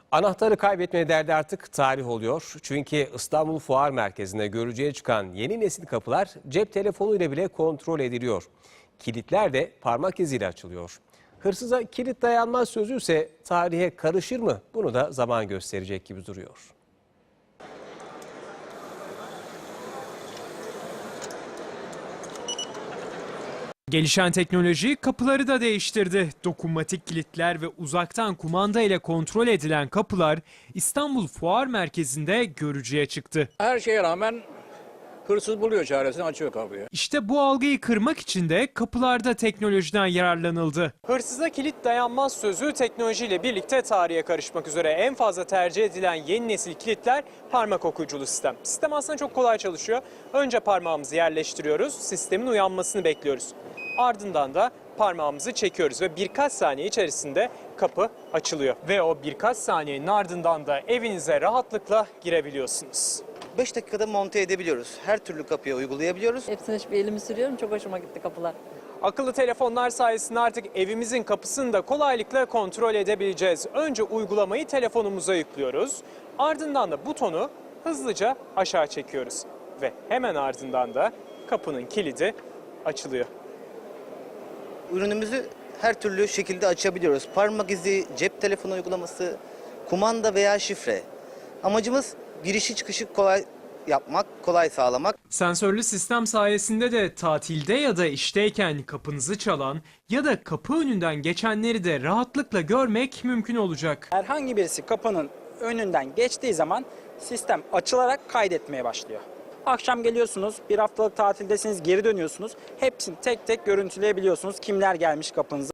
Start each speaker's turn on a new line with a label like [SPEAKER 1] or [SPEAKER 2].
[SPEAKER 1] Anahtarı kaybetme derdi artık tarih oluyor. Çünkü İstanbul Fuar Merkezi'nde görücüye çıkan yeni nesil kapılar cep telefonuyla bile kontrol ediliyor. Kilitler de parmak iziyle açılıyor. Hırsıza kilit dayanmaz sözü ise tarihe karışır mı? Bunu da zaman gösterecek gibi duruyor.
[SPEAKER 2] Gelişen teknoloji kapıları da değiştirdi. Dokunmatik kilitler ve uzaktan kumanda ile kontrol edilen kapılar İstanbul Fuar Merkezi'nde görücüye çıktı.
[SPEAKER 3] Her şeye rağmen hırsız buluyor çaresini, açıyor kapıyı.
[SPEAKER 2] İşte bu algıyı kırmak için de kapılarda teknolojiden yararlanıldı. Hırsıza kilit dayanmaz sözü teknolojiyle birlikte tarihe karışmak üzere. En fazla tercih edilen yeni nesil kilitler parmak okuyuculu sistem. Sistem aslında çok kolay çalışıyor. Önce parmağımızı yerleştiriyoruz, sistemin uyanmasını bekliyoruz. Ardından da parmağımızı çekiyoruz ve birkaç saniye içerisinde kapı açılıyor. Ve o birkaç saniyenin ardından da evinize rahatlıkla girebiliyorsunuz.
[SPEAKER 4] 5 dakikada monte edebiliyoruz. Her türlü kapıya uygulayabiliyoruz.
[SPEAKER 5] Hepsine bir elimi sürüyorum. Çok hoşuma gitti kapılar.
[SPEAKER 2] Akıllı telefonlar sayesinde artık evimizin kapısını da kolaylıkla kontrol edebileceğiz. Önce uygulamayı telefonumuza yüklüyoruz. Ardından da butonu hızlıca aşağı çekiyoruz. Ve hemen ardından da kapının kilidi açılıyor.
[SPEAKER 4] Ürünümüzü her türlü şekilde açabiliyoruz. Parmak izi, cep telefonu uygulaması, kumanda veya şifre. Amacımız girişi çıkışı kolay yapmak, kolay sağlamak.
[SPEAKER 2] Sensörlü sistem sayesinde de tatilde ya da işteyken kapınızı çalan ya da kapı önünden geçenleri de rahatlıkla görmek mümkün olacak.
[SPEAKER 6] Herhangi birisi kapının önünden geçtiği zaman sistem açılarak kaydetmeye başlıyor. Akşam geliyorsunuz, bir haftalık tatildesiniz, geri dönüyorsunuz. Hepsini tek tek görüntüleyebiliyorsunuz. Kimler gelmiş kapınıza.